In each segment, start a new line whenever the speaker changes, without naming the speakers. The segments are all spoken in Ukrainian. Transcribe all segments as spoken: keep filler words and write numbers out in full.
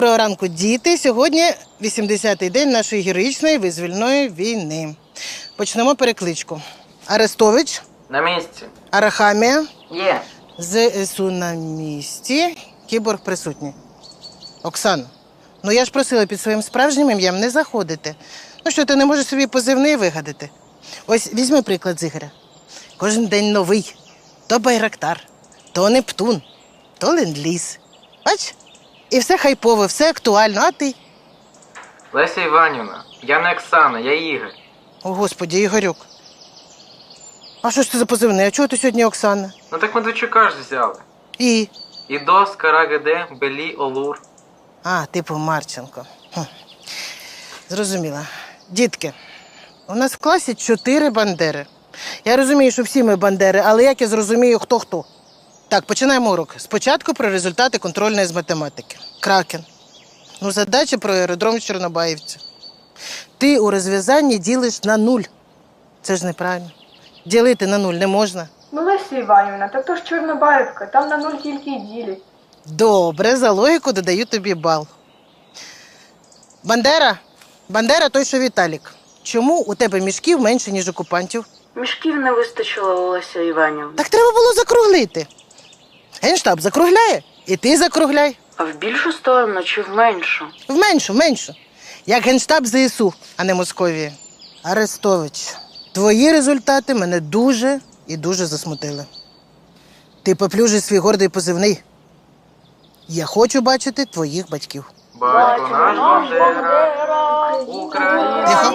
Доброго ранку, діти. Сьогодні вісімдесятий день нашої героїчної визвольної війни. Почнемо перекличку. Арестович,
На місці.
Арахамія,
Є.
ЗСУ на місці, Кіборг присутній. Оксано, ну я ж просила під своїм справжнім ім'ям не заходити. Ну що, ти не можеш собі позивний вигадати? Ось візьми приклад з Ігоря. Кожен день новий. То Байрактар, то Нептун, то Ленд-ліз. Бач? І все хайпове, все актуально, а ти?
Леся Іванівна, я не Оксана, я Ігор.
О, Господі, Ігорюк. А що ж це за позивний? А чого ти сьогодні Оксана?
Ну так Медведчука ж взяли.
І?
Ідос, Карагеде, Белі, Олур.
А, типу Марченко. Хм. Зрозуміла. Дітки, у нас в класі чотири бандери. Я розумію, що всі ми бандери, але як я зрозумію, хто хто? Так, починаємо урок. Спочатку про результати контрольної з математики. Кракен. Ну, задача про аеродром в Чорнобаївці. Ти у розв'язанні ділиш на нуль. Це ж неправильно. Ділити на нуль не можна.
Ну, Леся Іванівна, так то ж Чорнобаївка, там на нуль тільки й ділять.
Добре, за логіку додаю тобі бал. Бандера? Бандера той, що Віталік. Чому у тебе мішків менше, ніж окупантів?
Мішків не вистачило, Олеся Іванівна.
Так треба було закруглити. Генштаб закругляє, і ти закругляй.
А в більшу сторону чи в меншу?
В меншу, меншу. Як Генштаб ЗСУ, а не Московія. Арестович, твої результати мене дуже і дуже засмутили. Ти поплюжиш свій гордий позивний. Я хочу бачити твоїх батьків.
Батько наш Бандера, Україна.
Тихо.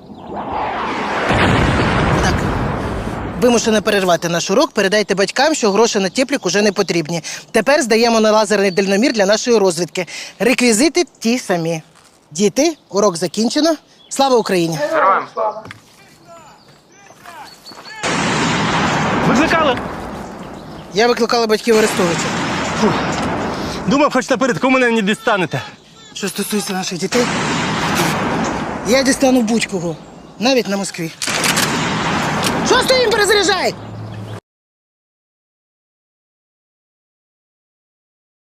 Так. Вимушено перервати наш урок. Передайте батькам, що гроші на теплік уже не потрібні. Тепер здаємо на лазерний дальномір для нашої розвідки. Реквізити ті самі. Діти, урок закінчено. Слава Україні!
Героям слава.
Викликали?
Я викликала батьків Арестовича.
Думав, хоч напередку мене не дістанете.
Що стосується наших дітей, я дістану будь-кого. Навіть на Москві. Що стоїм, перезаряджай!